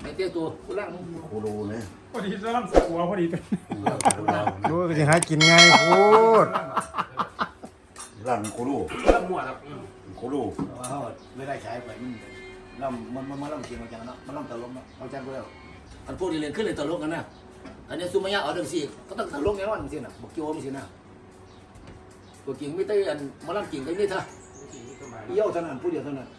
เตี้ยตัวกูร่างโคโลนะพอดีจะรับสกัวพอดีดูก็จะหากินง่ายโคตรร่างโคโลร่างมั่วครับโคโลเขาไม่ได้ใช้ไปมันร่างเสียงมาจังเนาะมันร่างตลกเนาะเอาจังก็แล้วอันพวกที่เรียนขึ้นเลยตลกกันนะอันนี้ซูมายะเอาดังสี่ก็ต้องตลกแน่นอนสินะบอกโจ้ไม่สินะตัวกิ่งไม่ได้อันมาร่างกิ่งกันนี่ท่าเยี่ยวเท่านั้นผู้เดียวเท่านั้น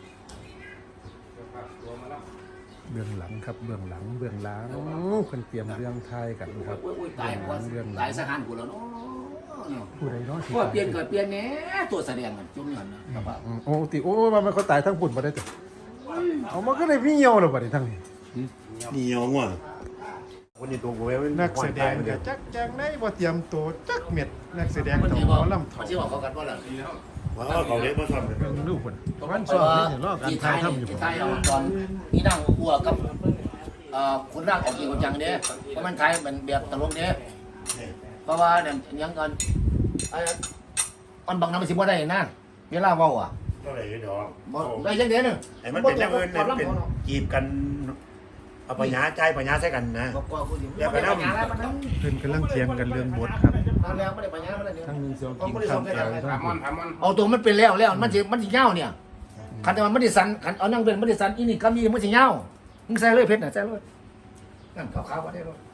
เบื้องหลังครับเบื้องหลังคนเตรียมเรื่องไทยกันครับตายว่าตายสหันกูแล้วเนาะผู้ใดน้อยว่าเปลี่ยนก็เปลี่ยนแน่ตัวแสดงกันจมเงินนะครับโอ้ติโอ้มันเขาตายทั้งปุ่นมาได้แต่เอามันก็เลยพี่เหี่ยวเลยบัดนี้ทั้งนี้นี่ยองว่ะคนนี้ตัวกูไม่นักแสดงก็จักจังได้บ่เตรียมตัวจักเม็ดนักแสดงมันต้องจะหบมอกอลำถอมันดจะบอกเขากันว่าอะไรว่าเขาเล็กมาทำเลยเรื่องลูกคนวันสอบนี่รอการถ่ายทำอยู่ที่ไทยเราตอนนี่นั่งอัวกับคนร่างออกจริงจังเนี่ยเพราะมันไทยมันแบบตลกเนี่ยเพราะว่าเนี่ยยังกันมันบางน้ำมันสิบ่ได้นะเวลาเว้าอ่ะก็เลยเดี๋ยวได้ยังเดียวนึงไอ้มันเป็นเรื่องเงินเป็นจีบกันเอาปัญญาใจปัญญาใช้กันนะก็คุณอย่าไปนั่งแล้วมันนั่งเพิ่นกำลังเถียงกันเรื่องบทครับแล้วไม่ได้ปัญญาไม่ได้เดี๋ยวทั้งนึงเสียวกินข้าวแกงทั้งปุ่นเอาตัวมันเป็นแล้วมันจะเงาเนี่ยคันแต่มันไม่ได้สันคันเอานั่งเป็นไม่ได้สันอีนี่ก็มีมันจะเงามึงใส่เลยเพชรน่ะใส่เลยนั่นขาวๆก็ได้เลย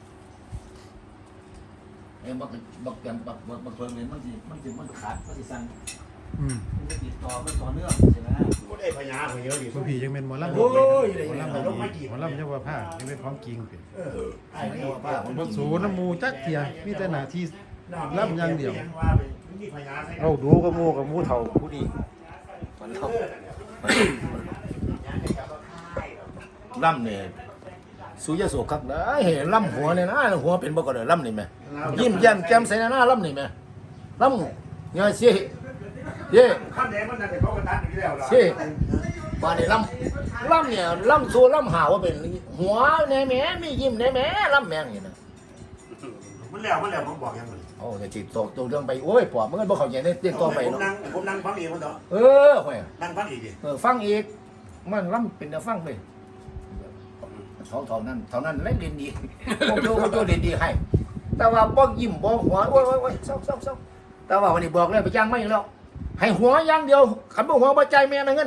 เอ็มบักเปลี่ยนบักเพิ่มเลยมันขาดมันจะสันมันติดต่อมันต่อเนื่องใช่ไหมก็ได้ปัญญาเยอะดิผู้พี่ยังเป็นหมอลำโอ้ยหมอลำหมอลำยังว่าผ้ายังเป็นของจริงเป็นไอ้นี่ว่าป้าผมบ่สูน้ำมูจักเทียมีแต่หน้าที่ลำอย่างเดียวมีปัญญาใช้กันเอาดูกับหมูเฒ่าผู้ดีมันเข้าล่ำเนี่ยสุยโสครับนะเห็นล่ำหัวเนี่ยนะหัวเป็นบ่ก็เลยล่ำนี่ไหมยิ้มแย้มแจ่มใสหน้าล่ำนี่ไหมล่ำเนี่ยเสียเย่ข้ามแดงมันนั่นแต่เขากระตัดอยู่แล้วเสียบ้านนี่ล่ำเนี่ยล่ำซัวล่ำหาว่าเป็นหัวในแม่มียิ้มในแม่ล่ำแมงอย่างนี้มันแล้วผมบอกยังไงโอ้จะจิตตกเรื่องไปโอ้ยปอบมันก็บ่เข้าใจในเรื่องต่อไปผมเนาะนั่งฟังอีกคนต่อห่วยนั่งฟังอีกดิฟังอีกมันล่ำเป็นแต่ฟังเลยเท่านั้นเล่นเรียนดีพวกโจเรียนดีให้แต่ว่าบ่ยิ้มบ่หัวโอ้ยเศร้าแต่ว่าวันนี้บอกเลยไปจ้างไม่แล้วให้หัวอย่างเดียวขันบ่หัวบ่ใจแม่นะเงิน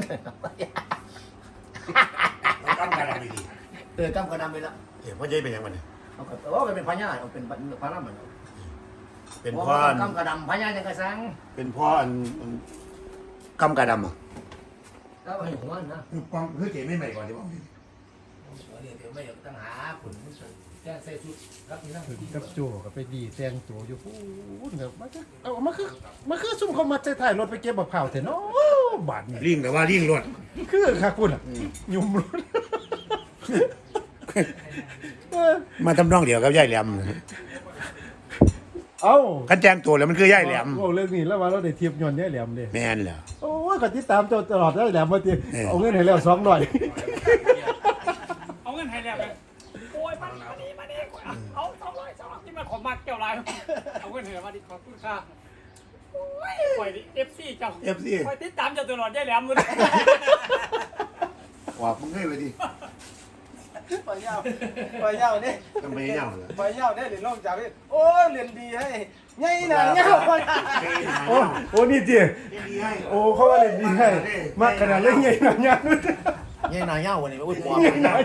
ตั้งการอะไรดีกำกระดำไปแล้วพ่อใหญ่เป็นยังไงเนี่ยเอาเป็นพญาเอาเป็นพระรามมันเป็นพ่อกำกระดำพญาจังกระสังเป็นพ่ออันกำกระดำอ่ะแล้วให้หัวนะคือเก๋ไม่ใหม่ก่อนที่บอกเดี๋ยวไม่ต้องหาผลแจ้งใส่ชุดรับนี่นั่งถึงกับโจก็ไปดีแต่งตัวอยู่พูนครับมันคือซุ่มเขามาใส่ถ่ายรถไปเก็บบักเผาเถอะเนาะบาดนี่ลิงแต่ว่าลิงรวดคือค่ะคุณอ่ะยุ่มรถมาทำนองเดียวกับย่ายแหลมเอ้ากันแจ้งตัวแล้วมันคือย่ายแหลมโอ้เรื่องนี้แล้วว่าเราได้เทียบยนต์ย่ายแหลมเลยแม่นเหรอโอ้ยก็ติดตามเจ้าตลอดย่ายแหลมมาทีเอาเงินให้แล้ว200 เอาเงินให้แล้วโอ้ยมาดีเอา200ที่มันขอมาเกี่ยวไรเอาเงินให้มาดิขอบคุณค่ะโอ้ยปล่อยดิ FC เจ้า FC ปล่อยติดตามเจ้าตลอดได้แหลมมึงว่ามึงให้ไปดิปล่อยยาวนี่ทำไมเน่าเหรอปล่อยยาวนี่เหรียญลงจากนี่โอ้เหรียญดีให้ไงนะเงาปล่อยโอ้นี่จีโอ้เขาว่าเล่นดีให้มากขนาดเล่นใหญ่หนักยันเงี้ยนายเงาวันนี้อุ้ยปอบ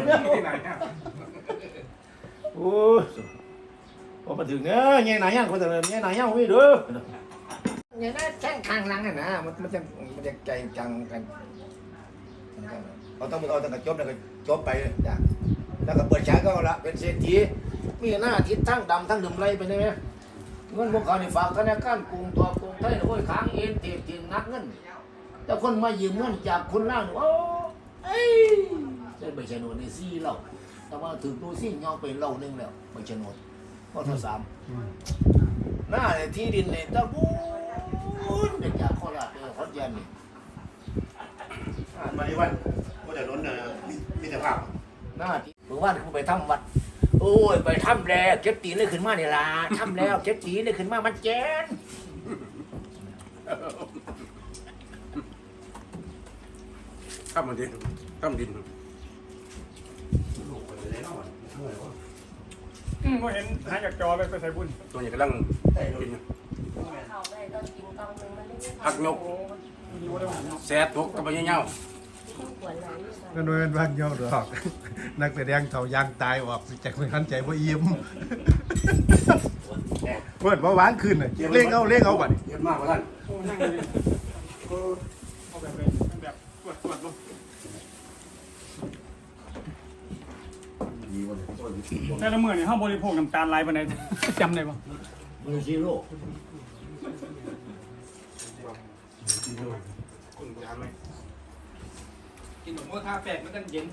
โอ้พอมาถึงเนี่ยเงี้ยนายเงาคนแต่เงี้ยนายเงาไม่ดูเงี้ยน่าแข้งทางหลังน่ะนะมันจะใจจังกันเราต้องเอาตั้งแต่จบแล้วก็จบไปจ้ะแล้วก็เปิดฉากก็ละเป็นเศรษฐีมีหน้าทิศทั้งดำทั้งดื่มไรไปได้ไหมเงินพวกเขาในฝากธนาคารกรุงตัวกรุงไทยโอ้ยค้างเอ็นเตียงนักเงินแต่คนมายืมเงินจากคนล่างโอ้ได้ใบชนวนในซี่เราแต่ว่าถึงตัวซี่ยอมไปเล่านึงแล้วใบชนวนข้อที่3หน้าที่ดินในตะบูนเด็กจากโคราชไปขอนแก่นนี่มาดิวันก็จะล้นมิตรภาพหน้าที่หรือว่าคุณไปทำวัดโอ้ยไปทำแล้วเก็บตีนเลยขึ้นมาเนี่ยล่ะทำแล้วเก็บตีนเลยขึ้นมามันแจ้นข้ามมาดิข้ามดินก็เห็นหายจากจอไปใส่บุญตัวนี้กำลังกินผักนกแซ่บทุกกับใบเงี้ยวก็โดยเป็นบ้านเหี่ยวดอก นักแสดงเขายางตายออกจากไม่ทันใจบ่อิ่มเปิดบ่หวานขึ้นน่ะเล่งเอาบัดนี้เยอะมากกว่าท่านโอ้นั่งเลยเอาแบบเลยแบบตรวจลงแต่ละมื้อนี่เฮาบริโภคน้ำตาลหลายปานใดจำได้บ่มือซีโร่กินหมูทาแปดมันกันเย็น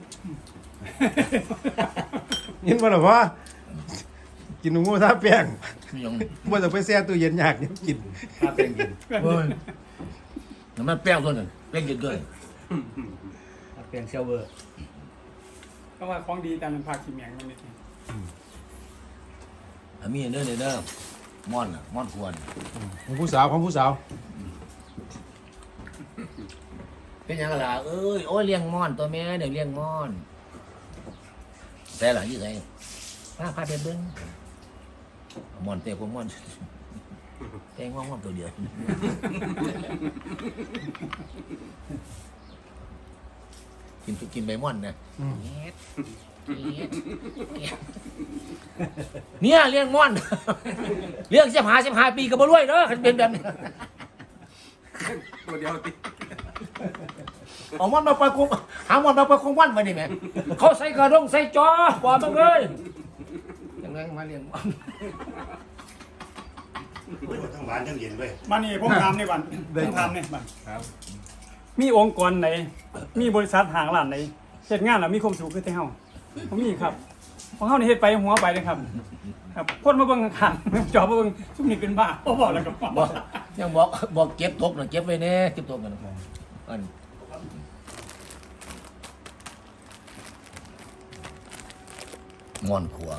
ยินบ่ล่ะพ่อกินหมูทาแป้งไม่ยองบ่ต้องไปแช่ตู้เย็นยากเนี่ยกินถ้าแป้งกินเฮ้ยน้ำมันแป้งตัวหนึ่งแป้งกินด้วยแป้งเซลเวอร์เพราะว่าของดีตามภาคขี้เมียงมันนี่มีเด้อเด้อม่อนม่อนควรของผู้สาวเป็นยังไงล่ะเอ้ยโอ้ยเลี้ยงม่อนตัวแม่เดี๋ยวเลี้ยงม่อนแต่หล่ะยี่ไงพาไปเบิ้งม่อนเตะผมม่อนแตงม่อนตัวเดียวกินใบม่อนนะเนี่ยเลี้ยงม่อนเลี้ยง15 ปีก็บ่รวยเด้อคันเป็นแบบนี้ตัวเดียวติเอาม่อนมาปล่อยกงหาม่อนมาปล่อยกงวันมาดิแม่เขาใส่กระดงใส่จอปล่อยมาเลยยังไงมาเลี้ยงม่อนทั้งหวานทั้งเย็นเลยบ้านนี้ผมถามในบ้านผมถามในบ้านมีองค์กรไหนมีบริษัทห้างร้านไหนเฮ็ดงานแล้วมีความสุขคือแต่เฮาผมมีครับของเฮานี่เฮ็ดไปหัวไปเลยครับครับคนมาเบิ่งข้างๆจอมาเบิ่งซุมนี่เป็นบ้าบ่บอกแล้วก็บอกยังบอกเก็บตกหน่อยเก็บไว้แน่เก็บตกกันอันม่อนขัว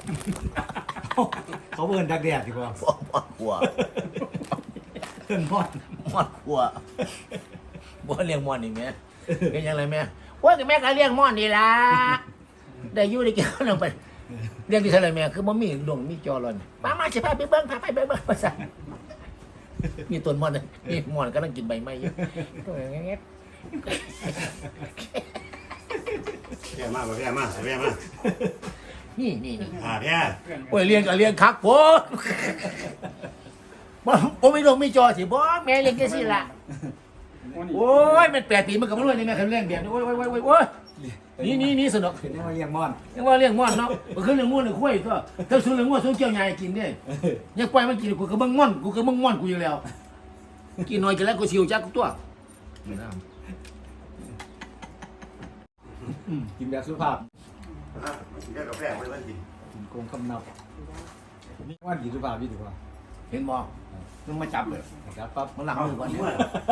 เขาเบิ่นดักแดดดีกว่าม่อนขัวเพิ่นพอดม่อนขัวบ่เลี้ยงม่อนนี่แม่เป็นยังไงแม่ว่าแต่แม่ก็เลี้ยงม่อนนี่ล่ะได้อยู่ได้กินลงไปเลี้ยงที่เท่าไรแม่คือบ่มีดวงมีจอรอนมาสิพาไปเบิ่งพาไปเบิ่งว่าซั่นมีต้นม่อนมีม่อนกำลังกินใบไม้อยู่แย่มากแย่มากแย่มากนี่แย่โอ้ยเลี้ยงก็เลี้ยงคักโพดบ่มีดวงมีจอสิบ่แม่เลี้ยงจังซี่ล่ะโอ้ยมัน8 ปีมันก็บ่รวยนี่แม่คันเลี้ยงแบบนี้โอ้ยนี่สนุกนี่มาเลี้ยงม่อนยังว่าเลี้ยงม่อนเนาะก็คือเลี้ยงม่อนเลี้ยงควายก็ถ้าซื้อเลี้ยงม่อนซื้อเกี่ยวใหญ่กินเด้ยังปล่อยมันกินกูก็เบิ่งม่อนกูอยู่แล้วกินน้อยกินแล้วกูสิวจักตัวกินแบบสุภาพกินกาแฟไม่ได้กินกินโกงคำนับนี่ว่ากินสุภาพดีกว่าเห็นบ่มึงมาจับเลยครับปั๊บมันหลังมือก่อนเนี่ย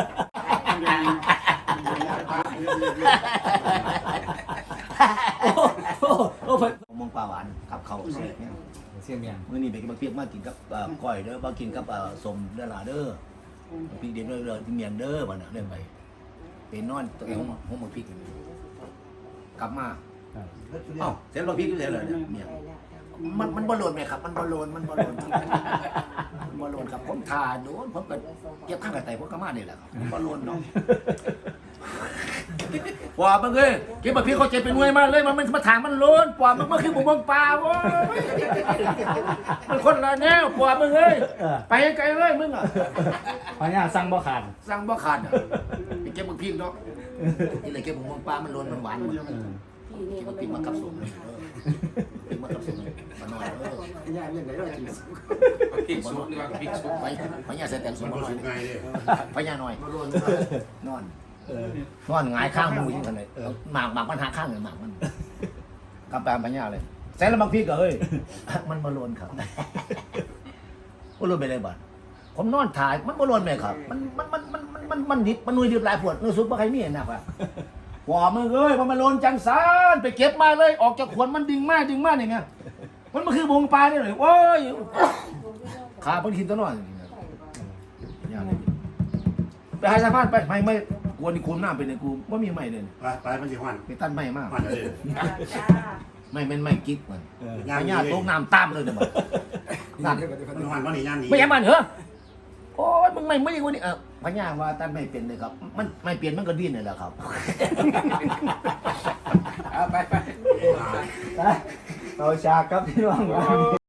โอ้มองปลาหวานกับเขาเสียเนี่ยเสียงเมียงมื้อนี้ไปกินบักเปียกมากินกับก้อยเด้อบ่กินกับสมเด้อล่ะเด้อพริกเด็ดเด้อเมียงเด้อบ่น่ะเรื่องไปไปนอนตรงห้องบักพริกกลับมาเอ้าเสร็จบักพริกอยู่แล้วเหรอเนี่ยเมียงมันบ่โลนไหมครับมันบ่โลนครับผมทาโดนผมก็เก็บข้างกระไตผมก็มานี่แหละครับบ่โลนเนาะปอบมึงเอ้ยเก็บบักพริกเขาเจ็บเป็นหน่วยมาเลยมันมาถางมันโลนปอบมันคือบุกปลาโว้ยมันคนละแนวปอบมึงเอ้ยไปไกลเลยมึงอ่ะพญาสั่งบ่ขาดสั่งบ่ขาดอ่ะไปเก็บบักพริกเนาะนี่เลยเก็บบุกปลามันโลนมันหวานเก็บบักพริกมากับสมพริกมากับสมมาหน่อยย่าเรื่องไหนเรากินพริกซุปนี่ว่าพริกซุปไปพญาใส่แต่งสมมันมาหน่อยสุกไงเลยพญาหน่อยนอนหงายข้างมูยิงกันเลยหมากมันหาข้างเลยหมากมันกำแพงพญาเลยใส่แล้วบางพี่ก็เฮ้ยมันบอลนครับบอลนไปเลยบ้านผมนอนถ่ายมันบอลนไหมครับมันดิบมันนุยดิบหลายปวดนุยซุปว่าใครมีเห็นนะครับหัวมึงเอ้ยมันโลนจังสารไปเก็บมาเลยออกจากขวดมันดึงมากอย่างเงี้ยมันคือบงปลาเนี่ยเลยโอ้ยขาพันทินตัวน้อยไปหาสะพานไปไม่กวนนี่คุมหน้าไปเนี่ยกูว่ามีใหม่เลยไปมันสิหวานไปตั้นใหม่มากหวานเลยมไม่เป็นไม่กิ๊กมันพญาตกน้ำตามเลยเนี่ยมันนั่นมันหันมาหนีย่านนี้ไม่ยังมันเหรอโอ้ยมึงไม่ดีกว่านี่พญาว่าท่านไม่เป็นเลยครับ มันไม่เปลี่ยนมันก็ดิ้นเลยแหละครับเอาไปเอาฉากครับพี่น้อง